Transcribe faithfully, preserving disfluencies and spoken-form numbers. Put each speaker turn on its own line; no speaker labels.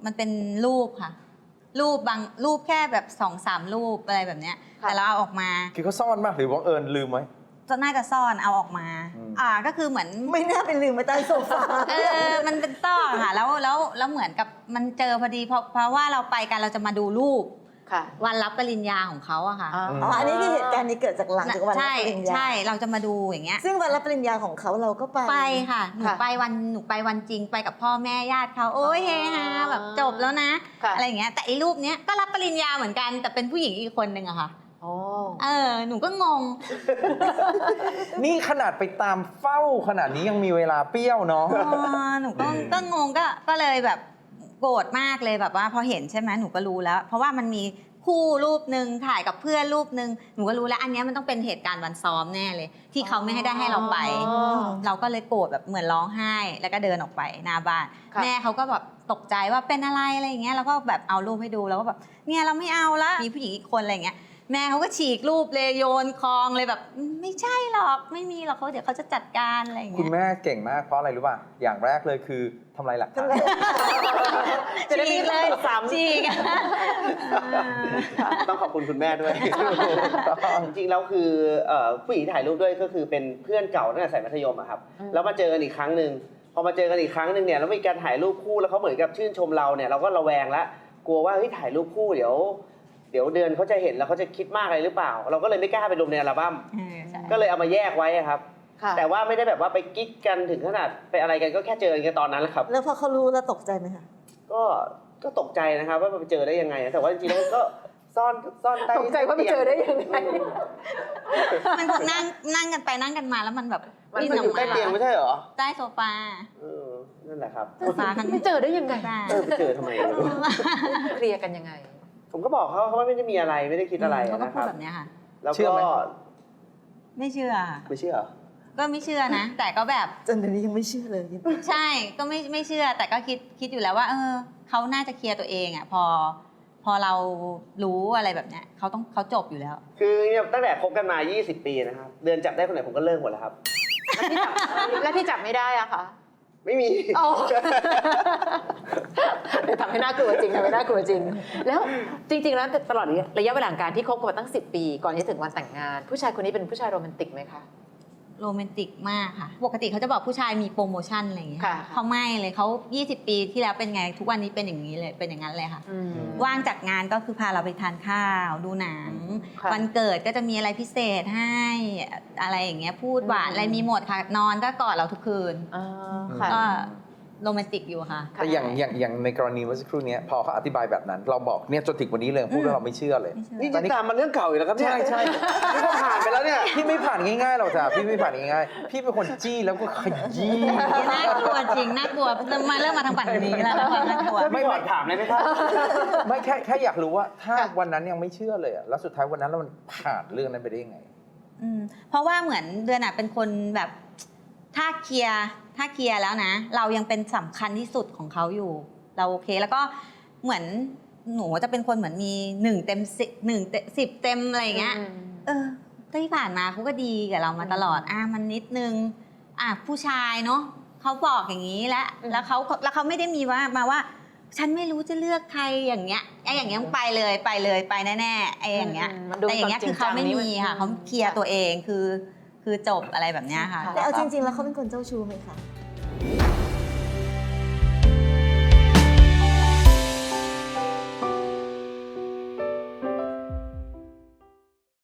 มันเป็นรูปค่ะ รูปบางรูปแค่แบบสองสามรูปอะไรแบบเนี้ยแต่เราเอาออกมา
คือเขาซ่อนมากหรือบังเอิญลืมไว้
จะน่าจะซ่อนเอาออกมาอ่าก็คือเหมือน
ไม่น่าเป็นลืมไว้ใต้โซฟา
เออมันเป็นซ่อนค่ะแล้วแล้วแล้วเหมือนกับมันเจอพอดีเพราะเพราะว่าเราไปกันเราจะมาดูรูปวันรับปริญญาของเขาอะค่ะ
อ๋ออันนี้คือเหตุการณ์นี้เกิดจากหลังจากวันรับปริญญา
ใช่เราจะมาดูอย่างเงี้ย
ซึ่งวันรับปริญญาของเขาเราก็ไป
ไปค่ะหนูไปวันหนูไปวันจริงไปกับพ่อแม่ญาติเขาโอ้ยเฮฮาแบบจบแล้วนะอะไรอย่างเงี้ยแต่ไอ้รูปเนี้ยก็รับปริญญาเหมือนกันแต่เป็นผู้หญิงอีกคนนึงอะค่ะเออหนูก็งง
นี่ขนาดไปตามเฝ้าขนาดนี้ยังมีเวลาเปรี้ยวเนาะ
หนูก็ก็งงก็ก็เลยแบบโกรธมากเลยแบบว่าพอเห็นใช่ไหมหนูก็รู้แล้วเพราะว่ามันมีคู่รูปหนึ่งถ่ายกับเพื่อนรูปหนึ่งหนูก็รู้แล้วอันนี้มันต้องเป็นเหตุการณ์วันซ้อมแน่เลยที่เขาไม่ให้ได้ให้เราไปเราก็เลยโกรธแบบเหมือนร้องไห้แล้วก็เดินออกไปหน้าบ้านแม่เขาก็แบบตกใจว่าเป็นอะไรอะไรอย่างเงี้ยแล้วก็แบบเอารูปให้ดูแล้วก็แบบเนี่ยเราไม่เอาละมีผู้หญิงอีกคนอะไรอย่างเงี้ยแม่เขาก็ฉีกรูปเลยโยนคลองเลยแบบไม่ใช่หรอกไม่มีหรอกเขาเดี๋ยวเขาจะจัดการอะไรอย่างเงี้ย
คุณแม่เก่งมากเพราะอะไรรู้ป่ะอย่างแรกเลยคือทำลายหลักฐาน
จะได้เลยซ้ำจริง
ต้องขอบคุณคุณแม่ด้วยจริงๆแล้วคือผู้หญิงถ่ายรูปด้วยก็คือเป็นเพื่อนเก่าตั้งแต่สมัยมัธยมอะครับแล้วมาเจอกันอีกครั้งหนึ่งพอมาเจอกันอีกครั้งหนึ่งเนี่ยแล้วมีการถ่ายรูปคู่แล้วเขาเหมือนกับชื่นชมเราเนี่ยเราก็ระแวงแล้วกลัวว่าเฮ้ยถ่ายรูปคู่เดี๋ยวเดี๋ยวเดือนเขาจะเห็นแล้วเขาจะคิดมากอะไรหรือเปล่าเราก็เลยไม่กล้าไปลงในอัลบั้มก็เลยเอามาแยกไว้ครับแต่ว่าไม่ได้แบบว่าไปกิ๊กกันถึงขนาดไปอะไรกันก็แค่เจอกันตอนนั้นแหละครับ
แล้วพอเขารู้แล้วตกใจไหมคะ
ก็ก็ตกใจนะครับว่าไปเจอได้ยังไงแต่ว่าจริงๆแล้วก็ซ่อนซ่อนใต้
ตกใจว่าไปเจอได้ยังไง
มันคงนั่งนั่งกันไปนั่งกันมาแล้วมันแบบ
มันอยู่ใต้เตียงไม่ใช่เหรอ
ใต้โซฟา
เออนั่นแหละครับ
โซฟา
ไปเจอได้ยังไง
เออไปเจอทำไม
เคลียร์กันยังไง
ผมก็บอกเขาเขาไม่ได้มีอะไรไม่ได้คิดอะไร
นะครับเขาก็พูด
แ
บบนี้ค่ะ
แล้วก็
ไม่เชื่อ
ไม่เชื่อ
ก็ไม่เชื่อนะแต่ก็แบบ
จนเดี๋ยวนี้ยังไม่เชื่อเลย
ใช่ก็ไม่ไม่เชื่อแต่ก็คิดคิดอยู่แล้วว่าเออเขาน่าจะเคลียร์ตัวเองอ่ะพอพอเรารู้อะไรแบบเนี้ยเขาต้องเขาจบอยู่แล้ว
คือตั้งแต่คบกันมายี่สิบปีนะครับเดือนจับได้คนไหนผมก็เลิกหมดแล้วครับ
แล้วที่จับไม่ได้อะคะ
ไม่มี
ทำให้น่ากลัวจริงทำให้น่ากลัวจริงแล้วจริงๆแล้วตลอดระยะเวลาการที่คบกันมาตั้งสิบปีก่อนที่ถึงวันแต่งงานผู้ชายคนนี้เป็นผู้ชายโรแมนติกไหมคะ
โรแมนติกมากค่ะปกติเขาจะบอกผู้ชายมีโปรโมชั่นอะไรอย่างเงี้ยเขาไม่เลยเขายี่สิบปีที่แล้วเป็นไงทุกวันนี้เป็นอย่างนี้เลยเป็นอย่างนั้นเลยค่ะว่างจากงานก็คือพาเราไปทานข้าวดูหนังวันเกิดก็จะมีอะไรพิเศษให้อะไรอย่างเงี้ยพูดหวานอะไรมีหมดค่ะนอนก็กอดเราทุกคืนก็โรแมนติกอยู่ค่ะ
แต่อย่างอย่างอย่างในกรณีเมื่อสักครู่นี้พอเขาอธิบายแบบนั้นเราบอกเนี่ยจนถึงวันนี้เลยพูดว่าเราไม่เชื่อเลย
นี่จะตามมันเรื่องเก่าอยู่แล้วครับ
ใช่ใช่
พี่ก็ผ่านไปแล้วเนี่ย
พี่ไม่ผ่านง่ายๆหรอกจ้ะพี่ไม่ผ่านง่ายๆพี่เป็นคนจี้แล้วก็ขยี้
น่ากลัวจริงน่ากลัวมาเริ่มมาทางฝั่งนี้แล้วน่ากลัว
ไม่หอดถามเลยไหมครับ
ไม่แค่แค่อยากรู้ว่าถ้าวันนั้นยังไม่เชื่อเลยแล้วสุดท้ายวันนั้นแล้วมันผ่านเรื่องนั้นไปได้ยังไง
เพราะว่าเหมือนเดือนอ่ะเป็นคนแบบถ้าเคลียร์ถ้าเคลียร์แล้วนะเรายังเป็นสำคัญที่สุดของเขาอยู่เราโอเคแล้วก็เหมือนหนูจะเป็นคนเหมือนมีหนึ่งเต็มสิบหนึ่งสิบเต็มอะไรอย่างเงี้ยเออที่ผ่านมาเขาก็ดีกับเรามาตลอดอ่ะมันนิดนึงอ่ะผู้ชายเนาะเขาบอกอย่างนี้แล้วแล้วเขาแล้วเขาไม่ได้มีว่ามาว่าฉันไม่รู้จะเลือกใครอย่างเงี้ยไอ้อย่างเงี้ยไปเลยไปเลยไปแน่ๆไอ้อย่างเงี้ยแต่อย่างเงี้ยคือเขาไม่มีค่ะเขาเคลียร์ตัวเองคือคือจบอะไรแบบนี้ค่ะ
แต่เอาจริงๆแล้วเขาเป็นคนเจ้าชู้ไหมคะ